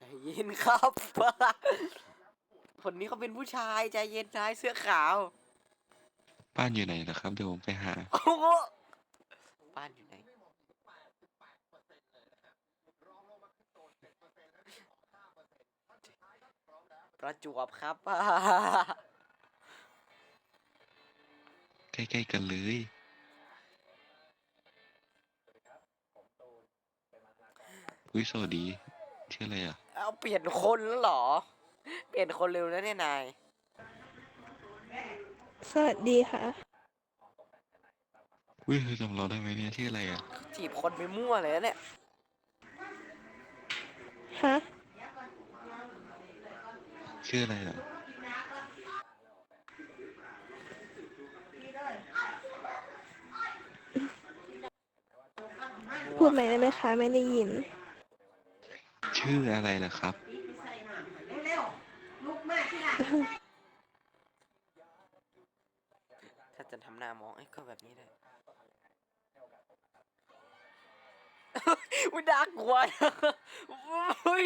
เย็นครับ คนนี้เขาเป็นผู้ชายใจเย็นชายเสื้อขาวบ้านอยู่ไหนนะครับเดี๋ยวผมไปหาโอ้โหบ้านอยู่ไหนประจวบครับใกล้ๆกันเลยอุ้ยสวัสดีชื่ออะไรอ่ะเอาเปลี่ยนคนแล้วเหรอ เปลี่ยนคนเร็วแล้วเนี่ยนายสวัสดีค่ะอุ้ยเธอจำเราได้ไหมเนี่ยชื่ออะไรอ่ะจีบคนไปมั่วเลยนะเนี่ยฮะชื่ออะไรอ่ะพูดใหม่ได้ไหมคะ ไม่ได้ยินชื่ออะไรล่ะครับถ้าจะทำหน้ามองไอ้ก็แบบนี้ได้ อุ้ยน่ากลัวอุ้ย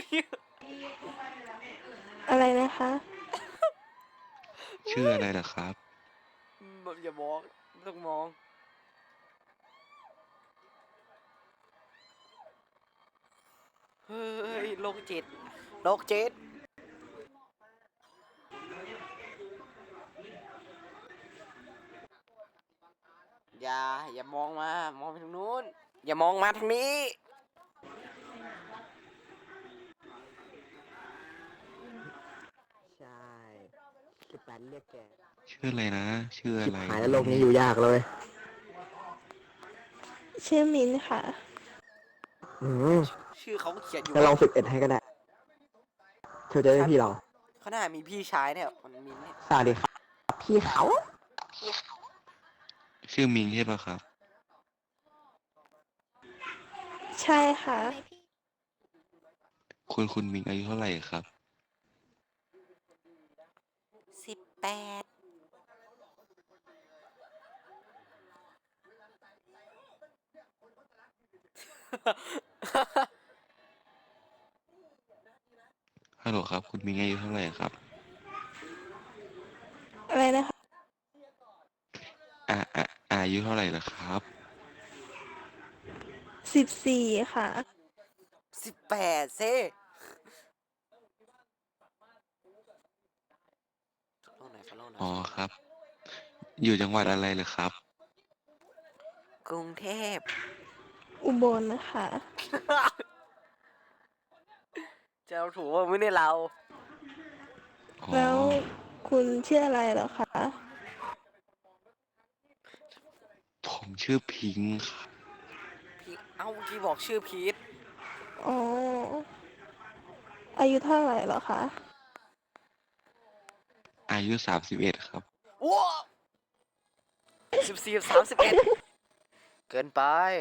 อะไรนะคะชื่ออะไรล่ะครับแบบอย่ามองไม่ต้องมอง เฮ้ยโรคจิตโรคจิตอย่ามองมา มองไปทางนู้น อย่ามองมาทางนี้ใช่18เรียกแกชื่ออะไรนะชื่ออะชิบไรหายแล้วโลกนี้อยู่ยากเลยชื่อมินค่ะอืมชื่อเขาเขียนอยู่จะลอง11ให้ก็ได้เธอจะได้พี่เราเขาหน้ามีพี่ชายเนี่ยมันมินเนี่ยสวัสดีครับ พี่เขาชื่อมิงใช่ปะครับใช่ค่ะคุณมิงอายุเท่าไหร่ครับ 18 ฮัลโหลครับ คุณมิงอายุเท่าไหร่ครับอะไรนะคะอ่าอ่าอายุเท่าไหร่ล่ะครับ 14ค่ะ 18ซิฟอลโล่หน่อยฟอลโล่หน่อยอ๋อครับ อยู่จังหวัดอะไรเหรอครับกรุงเทพอุบลนะคะจะเอาถูกว่าไม่ได้เราอ๋อแล้วคุณชื่ออะไรเหรอคะผมชื่อพิงค์ครับพี่เอ้าเมื่อกี้บอกชื่อพีทอ๋อ อายุเท่าไหร่เหรอคะอายุ31ครับว้า14 31เกินไป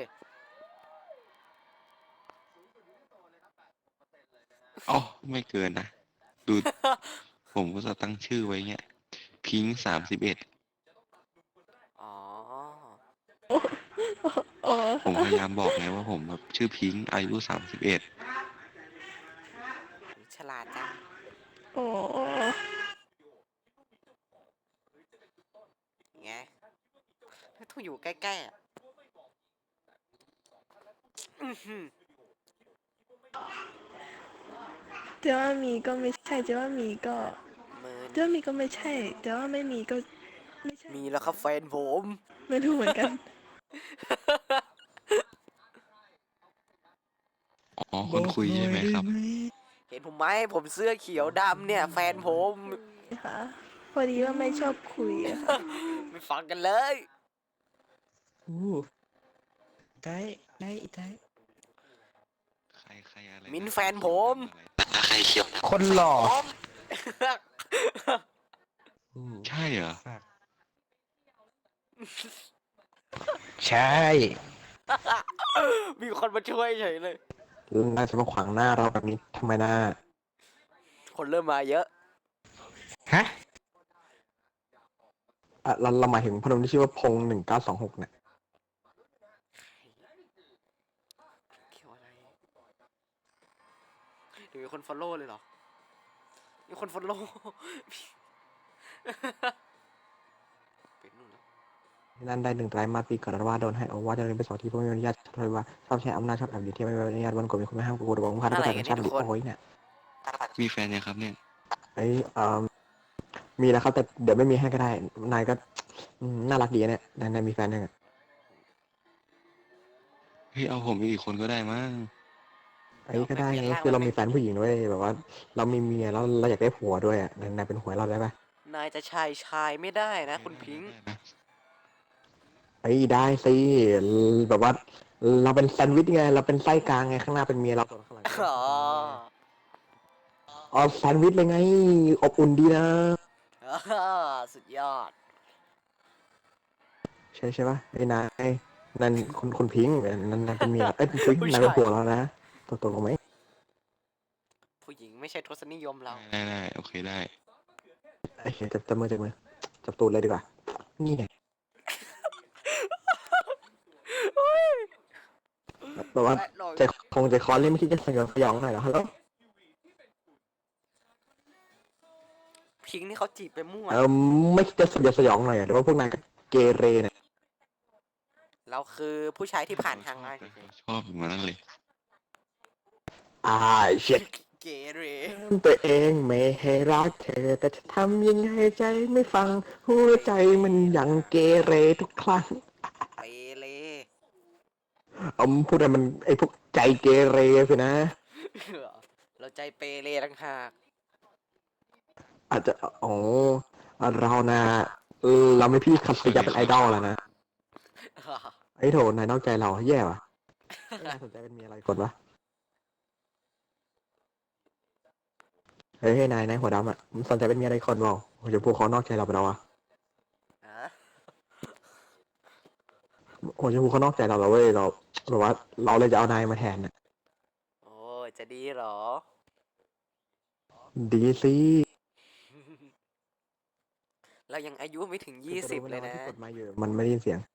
อ๋อไม่เกินนะ ดู ผมก็จะตั้งชื่อไว้เงี้ย พิงค์31 อ๋ออ๋อผมพยายามบอกไงว่าผมแบบชื่อพิงค์อายุ31 ฉลาดจังอ๋อไงต้องอยู่ใกล้ๆอ่ะอื้อหือเจ๊ว่ามีก็ไม่ใช่เจ๊ว่ามีก็มืนเจ๊ว่ามีก็ไม่ใช่เจ๊ว่าไม่มีก็ไม่ใช่มีแล้วครับแฟนผมไม่รู้เหมือนกันอ๋อคนคุยใช่ไหมครับเห็นผมไหมผมเสื้อเขียวดำเนี่ย แฟนผมค่ะ พอดีว่าไม่ชอบคุยอะค่ะไม่ฟังกันเลยอู้ได้ได้ใครอะไรมิ้นนะแฟนผมใครเขียวนะคนหล่อใช่เหรอใช่มีคนมาช่วยเฉยเลยน่าจะมาขวางหน้าเราแบบนี้ทำไมนะคนเริ่มมาเยอะฮะเราหมายถึงพนมที่ชื่อว่าพง1926เนี่ยเกี่ยวอะไรหรือคนฟอลโล่เลยเหรอมีคนฟอลโล่ เป็นนู่นแล้วนั่นได้1 ไตรมาสปีก่อนว่าโดนให้เอาว่าจะเรียนไปสอนที่เพื่อไม่อนุญาตเลยว่าชอบใช้อำนาจชอบแอบดีที่ไม่อนุญาตวันก่อนมีคนไม่ห้ามกูบอกว่าพันก็แต่ชาติโอ้ยเนี่ยมีแฟนยังครับเนี่ยไอ้มีแล้วครับแต่เดี๋ยวไม่มีให้ก็ได้นายก็น่ารักดีเนี่ยนายมีแฟนยังเฮ้ยเอาผมอีกคนก็ได้มั้งไอ้ก็ได้ไงคือเรามีแฟนผู้หญิงด้วยแบบว่าเรามีเมียแล้วเราอยากได้ผัวด้วยอ่ะนายเป็นผัวเราได้ปะนายจะชายไม่ได้นะคุณพิงค์ได้นะไอ้ได้สิแบบว่าเราเป็นแซนด์วิชไงเราเป็นไส้กลางไงข้างหน้าเป็นเมียเราส่วนข้างหลังอ๋ออ๋อแซนด์วิชเลยไงอบอุ่นดีนะสุดยอดใช่ปะไอ้นายนั่นคุณพิงค์นั่นเป็นเมียเอ้ยพิงค์นายเป็นผัวเรานะตกลงไหมผู้หญิงไม่ใช่ทศนิยมเราได้โอเคได้ไอ้เหี้ยจับมือจับตูดเลยดีกว่านี่ไงแบบว่าใจคอเล่นไม่คิดจะสยองหน่อยเหรอฮัลโหลพิงค์นี่เขาจีบไปมั่วไม่คิดจะสยองหน่อยเหรอหรือว่าพวกนายก็เกเรเนี่ยเราคือผู้ชายที่ผ่านทางง่ายชอบเหมือนนั้นเลยเช็ดเกเรตัวเองไม่ให้รักเธอแต่จะทำยังไงใจไม่ฟังหัวใจมันยังเกเรทุกครั้งเปเรพูดอะไรมันไอ้พวกใจเกเรสินะเราใจเปเรต่างหากอาจจะอ๋อเรานะเราไม่พี่คัตยาเป็นไอดอลแล้วนะไอ้โถนายนอกใจเราแย่ว่ะนายสนใจเป็นเมียอะไรกดวะเฮ้ยนายหัวดำอ่ะมึงสนใจเป็นเมียอะไรคนเปล่าโอ้ยพวกเขานอกใจเราไปแล้วอ่ะอ่ะโอ้ยพวกเขานอกใจเราแล้วเว้ยเราแบบว่าเราเลยจะเอานายมาแทนน่ะโอ้ยจะดีเหรอดีสิเรายังอายุไม่ถึง20เลยนะที่กดมาอยู่มันไม่ได้ยินเสียง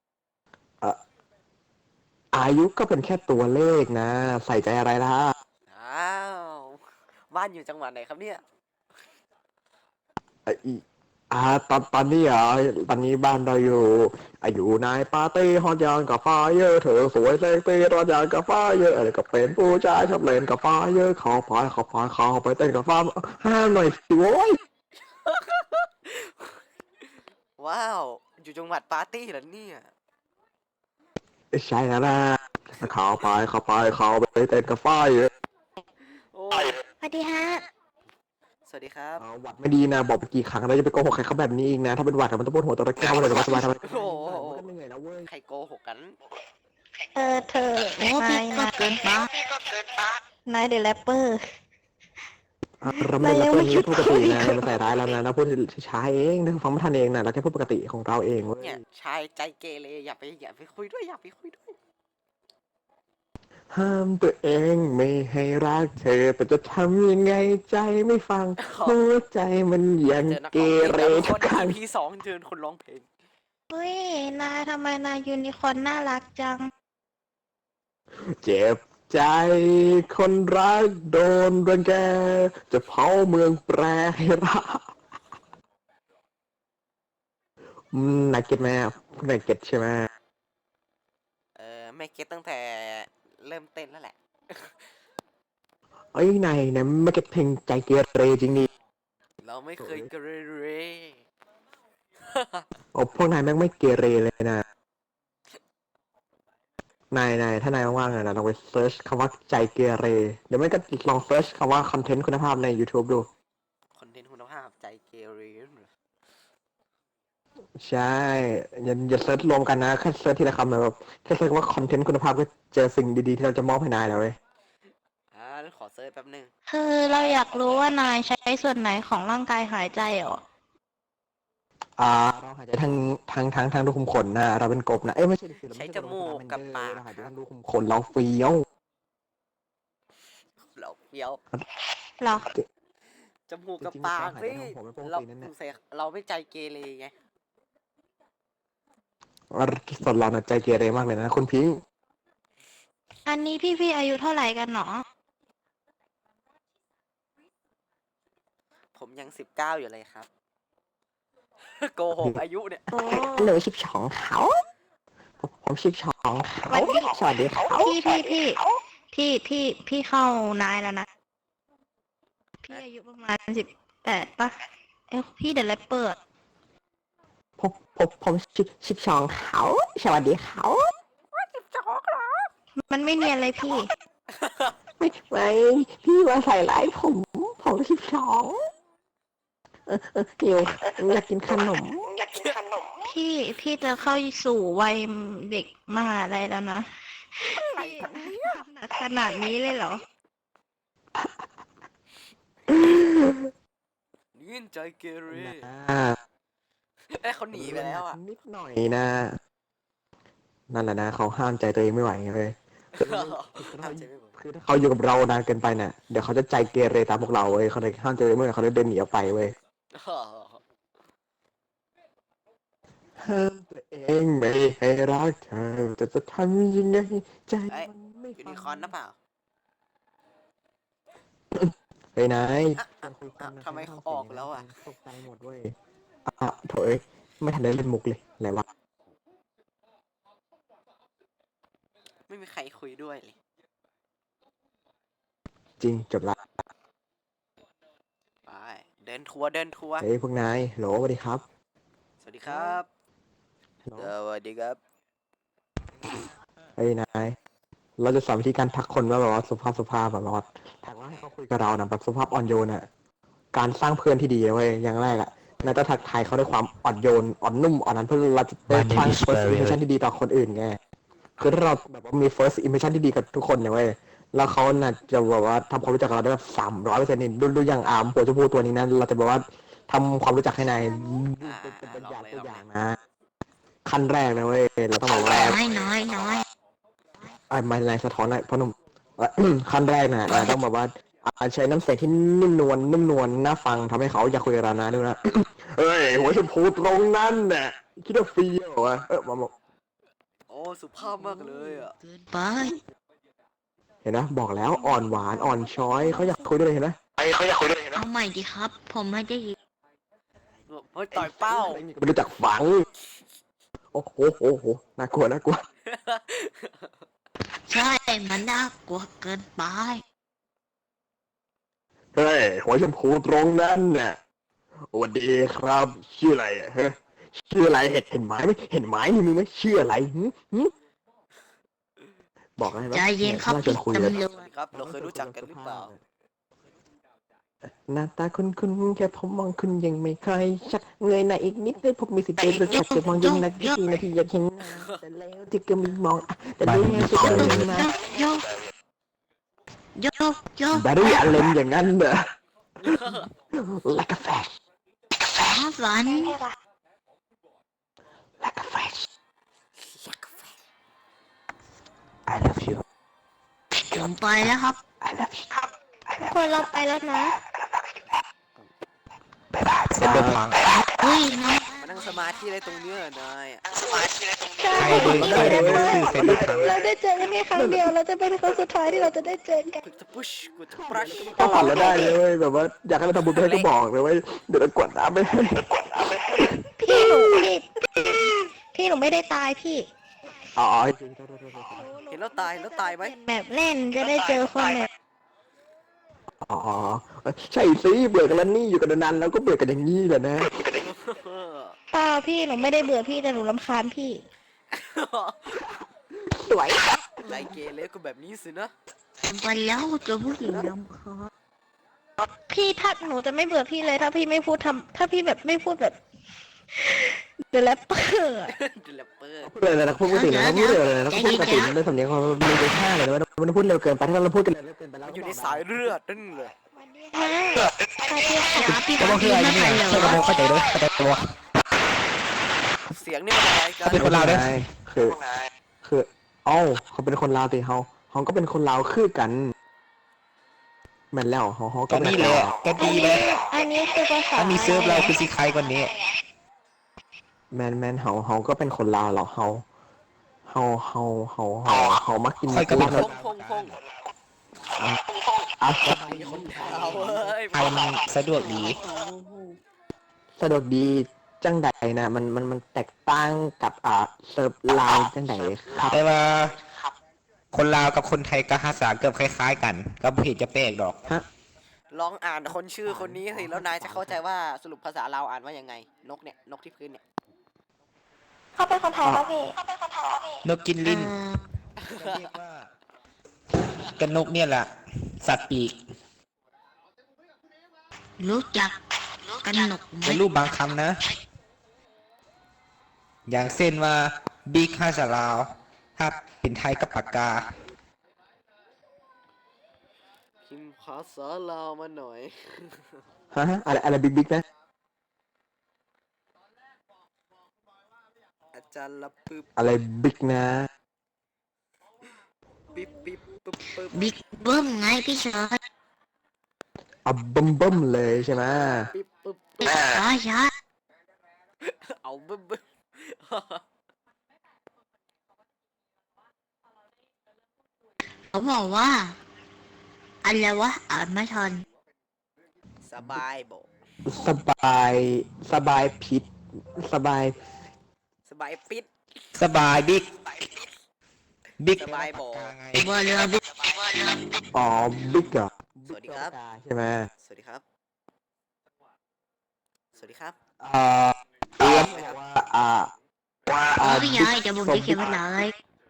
อายุก็เป็นแค่ตัวเลขนะ ใส่ใจอะไรล่ะอ้าว บ้านอยู่จังหวัดไหนครับเนี่ยไอ้อีตอนนี้เหรอตอนนี้บ้านเราอยู่ในปาร์ตี้ฮอตยางกับไฟเยอะเธอสวยเซ็กซี่รอนยางกับไฟเยอะอะไรก็เป็นผู้ชายชอบเล่นกับไฟเยอะขอไปเต้นกับไฟห้ามหน่อยสิโว้ยว้าว อยู่จังหวัดปาร์ตี้เหรอเนี่ยใช่แล้วนะเข้าไปเต้นกับไฟเยอะโอ้ยสวัสดีฮะสวัสดีครับหวัดไม่ดีนะบอกไปกี่ครั้งแล้วจะไปโกหกใครเขาแบบนี้อีกนะถ้าเป็นหวัดมันต้องปวดหัวตัวระแก้วเลยแต่ว่าสบายมันก็เหนื่อยแล้วเว้ยใครโกหกกันเธอ นายนายเดอะแรปเปอร์เราไม่ได้รับเรื่องนี้พูดปกตินะมันใส่ร้ายแล้วนะเราพูดช้าเองนะฟังไม่ทันเองนะเราแค่พูดปกติของเราเองเว้ยเนี่ย ชายใจเกเรอย่าไปคุยด้วยอย่าไปคุยด้วยห้ามตัวเองไม่ให้รักเธอแต่จะทำยังไงใจไม่ฟังหัวใจมันยังเจอนักเกร้องเพลงเรทุกครั้ง EP 2เจอคนร้องเพลงเฮ้ย นายทำไมนายยูนิคอร์นน่ารักจังเจ็บใจคนรักโดนรังแกจะเผาเมืองแปรให้รักนายเก็ตไหมนายเก็ตใช่ไหมไม่เก็ตตั้งแต่เริ่มเต้นแล้วแหละเอ้ยนายไม่เก็ตเพลงใจเกเรจริงดิเราไม่เคยเกเรโอ้พวกนายแม่งไม่เกเรเลยนะนายถ้านายว่างๆนะลองไปเซิร์ชคำว่าใจเกเรเดี๋ยวไม่ก็ลองเซิร์ชคำว่าคอนเทนต์คุณภาพใน YouTube ดูคอนเทนต์คุณภาพใจเกเรใช่อย่าเซิร์ชรวมกันนะแค่เซิร์ชทีละคำนะแบบแค่เซิร์ชว่าคอนเทนต์คุณภาพก็เจอสิ่งดีๆที่เราจะมอบให้นายแล้วเว้ยขอเซิร์ชแป๊บนึงคือเราอยากรู้ว่านายใช้ส่วนไหนของร่างกายหายใจเหรอเราหายใจทางรูขุมขนนะเราเป็นกบนะเอ้ยไม่ใช่ดิเราใช้ไม่จใช่มูกกับปากเราหายใจครัทาบงรูขุมขนเราเฟี้ยวเราเฟี้ยวเหรอจมูกกับจริงๆปากหายสิใจทางผมเป็นปกเราตินั่นแหละเราไม่ใจเกเรไงส่วนเราน่ะใจเกเรมากเลยนะคุณพิงค์อันนี้พี่อายุเท่าไหร่กันหนอผมยัง19อยู่เลยครับ โกหกอายุเนี่ยอ๋อหนู12เขาผม12เขาสวัสดีเขาพี่เข้านายแล้วนะ พี่อายุประมาณ18ป่ะพี่เดอะแรปเปอร์ผม12เขาสวัสดีเขามันไม่เนียนเลยพี่ไม่พี่มาใส่ร้ายผม12หิวอยากกินขนมพี่จะเข้าสู่วัยเด็กมหาลัยแล้วนะขนาดนี้เลยเหรอยื่นใจเกเรอ่าเขาหนีไปแล้วอ่ะนิดหน่อยนะ นั่นแหละนะเขาห้ามใจตัวเองไม่ไหวเลยคือถ้าเขาอยู่กับเรานานเกินไปเนี่ยเดี๋ยวเขาจะใจเกเรตามพวกเราเว้ยเขาเลยห้ามใจตัวเองไม่ไหวเขาเลยเดินหนีออกไปเว้ยห้ามตัวเองไม่ให้รักเธอแต่จะทำยังไงใจเอ้ยมันไม่ยูฟันิงคอร์นนะเปล่าเฮ้ยนายทำไมเขาออกแล้วอ่ะตกใจหมดเว้ยโถเอ้ยไม่ทันได้เล่นมุกเลยอะไรวะไม่มีใครคุยด้วยเลยจริงจบละไปเดินทัวร์เดินทัวร์เฮ้ยพวกนายโหลสวัสดีครับสวัสดีครับโหลสวัสดีครับเฮ้ยนายเราจะสอนวิธีการทักคนว่าแบบว่าสุภาพแบบว่าทักว่าให้เขาคุยกับเรานะแบบสุภาพอ่อนโยนอ่ะการสร้างเพื่อนที่ดีเว้ยอย่างแรกอ่ะนายต้องทักทายเขาด้วยความอ่อนโยนอ่อนนุ่มอ่อนนั้นเพื่อเราจะได้สร้าง first impression ที่ดีต่อคนอื่นไงคือถ้าเราแบบว่ามี first impression ที่ดีกับทุกคนเนี่ยเว้ยแล้วเขาน่ะจะแบบว่าทำความรู้จักกับเราได้แบบ300%นี่ดูอย่างอาร์มหัวชมพูตัวนี้นั้นเราจะแบบว่าทำความรู้จักให้นายเป็นตัวอย่างนะขั้นแรกนะเว้ยเราต้องบอกว่าน้อยไม่นายสะท้อนอะไรพ่อหนุ่ม ขั้นแรกนะต้องแบบว่าใช้น้ำเสียงที่นุ่มนวลน่าฟังทำให้เขาอยากคุยกับเรานะดูนะ เฮ้ยหัวชมพูตรงนั้นน่ะคิดว่าฟรีเหรอวะมาบอกโอ้สุภาพมากเลยอ่ะเกินไปเห็นนะบอกแล้วอ่อนหวานอ่อนช้อยเขาอยากคุยด้วยเห็นไหมเขาอยากคุยด้วยเห็นไหมเอาใหม่ดีครับ ผมไม่ได้ยินเฮ้ยต่อยเป้าไม่รู้จักฝังโอ้โหน่ากลัวใช่ มันน่ากลัวเกินไปเฮ้ยหัวชมพูตรงนั้นน่ะสวัสดีครับชื่ออะไรอะฮะชื่ออะไรเห็นไหมไม่เห็นไหมนี่มึงไม่ชื่ออะไรหึบอกอะไรใจเย็นครับชวนคุยเลยตำรวสวัจสดีครับ เราเคยรู้จักกันหรือเปล่าหน้าตาคุณแค่ผมมองคุณยังไม่ค่อยชัดเงยหน้าอีกนิดได้ผมมีสิทธิ์เป็นชัดจะมองยังนักกี่นาทีอยากเห็นหน้าแต่แล้วที่ก็มีมองแต่ดูยังจะเดินมาโยกบารี่อเลนอย่างนั้นเหรอ like a flash ฝัน like a flash I love you ผมไปแล้วครับ I love you คนเราไปแล้วนะบ๊ายบายเซ็นเดอร์พังเฮ้ยน้องมานั่งสมาธิอะไรตรงเนี้ยนายอะใช่เราได้เจอกันแค่ครั้งเดียวเราจะเป็นครั้งสุดท้ายที่เราจะได้เจอกันกูจะพุชกูจะปรัชถ้าผ่านแล้วได้เลยเว้ยแบบว่าอยากให้เราทำบุญไปให้ก็บอกเลยเว้ยเดี๋ยวเรากดน้ำไปให้พี่หนูไม่ได้ตายพี่อ๋อเห็นแล้วตายไหมแบบเล่นจะได้เจอคนแบบอ๋อใช่สิเบื่อกันแล้วนี่อยู่กันนานๆแล้วก็เบื่อกันอย่างนี้แหละนะเปล่าพี่หนูไม่ได้เบื่อพี่แต่หนูรำคาญพี่สวยใจเกเรก็แบบนี้สินะผมไปแล้วเจอผู้หญิงลำคาญพี่ถ้าหนูจะไม่เบื่อพี่เลยถ้าพี่ไม่พูดถ้าพี่แบบไม่พูดแบบเดอะแรปเปอร์เดลเปอร์พูดเลยนะพูดปกตินะพูดเลยนะพูดปกติในสำเนียงเขามีไปท่าเลยนะมันพูดเร็วเกินไปถ้าเราพูดกันเร็วเกินไปแล้วอยู่ในสายเลือดนั่นเลยฮะสวัสดีค่ะพี่ต้องไม่ไปเหรอเข้าใจด้วยเข้าใจตัวเสียงนี่มันอะไรกันเป็นคนลาวด้วยคือเอ้าเขาเป็นคนลาวตีเขาก็เป็นคนลาวคือกันแม่นแล้วเขาก็นี่เลยก็ดีเลยอันนี้คือภาษาถ้ามีเซิร์ฟเราคือสิใครกว่านี้แมนเขาก็เป็นคนลาวหรอเขามักกินค่อยก็เป็นพงออ่ะมีคนถามเว้ยไทยมันสะดวกดีสะดวกดีจังใดนะมันแตกต่างกับเซิร์ฟลาวจังใดครับแต่ว่าคนลาวกับคนไทยก็ภาษาเกือบคล้ายๆกัน ก็บ่เห็นจะแปลกดอกฮะลองอ่านคนชื่อคนนี้สิแล้วนายจะเข้าใจว่าสรุปภาษาเราวอ่านว่ายังไง นกเนี่ยนกที่พื้นเนี่ยเขาเป็นคนไทยป่ะพี่นกกินลิ้นก็เรียกว่ากันนกเนี่ยแหละ สัตว์ปีกรู้จักกันหนกไหมเป็นรูปบางคำนะ อย่างเช่นว่าบิ๊กภาษาลาวถ้าเป็นไทยกับปากกาพิมพ์ภาษาลาวมาหน่อยฮะอะไรบิ๊กนะอาจารย์ละปึ๊บอะไรบิ๊กนะปิ๊บปิ๊บปึ๊บปึ๊บบิ๊กเบิ้มไงพี่ชายเอาบึ้มเลยใช่ไหมปิ๊บปึ๊บช้าช้าเอาบึ้มบึ้มเขาบอกว่าอะไรวะอ่านไม่ทันสบายโบสบายผิดสบายสบายปิดสบายบิ๊ก บิ๊กสบายบอกไงว่าเรือบิ๊กอ๋อบิ๊กเหรอสวัสดีครับใช่ไหมสวัสดีครับ สวัสดีครับแล้วบอกว่าพี่ยายจะบอกจะเขียนภาษาอะไร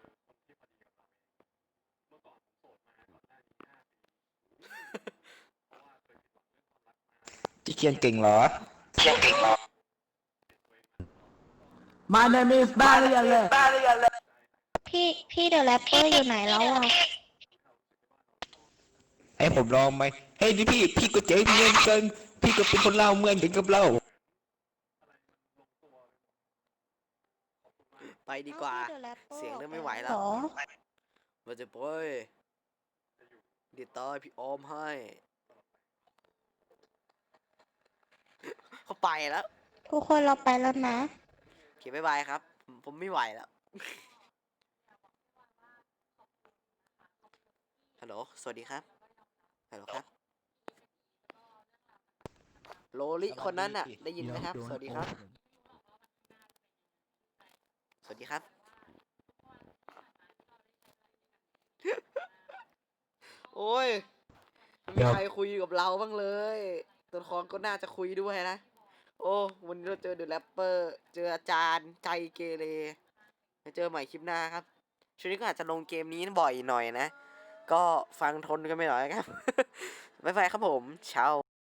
ที่เขียนเก่งเหรอ My name is Barry เลยพี่เดอะแรปเปอร์อยู่ไหนแล้วอ่ะให้ผมลองไหมเฮ้ยนี่พี่ก็เจ๋งเงินเกินพี่ก็เป็นคนเล่าวเหมือนกันกับเราไปดีกว่าพี่ The Rapper เสียงเริ่มไม่ไหวแล้วหรอมาจะไปเดี๋ยวตายพี่ออมให้ เขาไปแล้วทุกคนเราไปแล้วนะโอเคบ๊ายบายครับ ผมไม่ไหวแล้ว ฮัลโหล สวัสดีครับ ฮัลโหลครับ โลลิคนนั้นน่ะ ได้ยินไหมครับ สวัสดีครับ สวัสดีครับ โอ้ยไม่มีใครคุยกับเราบ้างเลย ตัวละครก็น่าจะคุยด้วยนะ โอ้ วันนี้เราเจอเดอะแรปเปอร์ เจออาจารย์ใจเกเรไปเจอใหม่คลิปหน้าครับ ช่วงนี้ก็อาจจะลงเกมนี้บ่อยหน่อยนะ ก็ฟังทนกันไปหน่อยครับ บ๊ายบายครับผมเช้า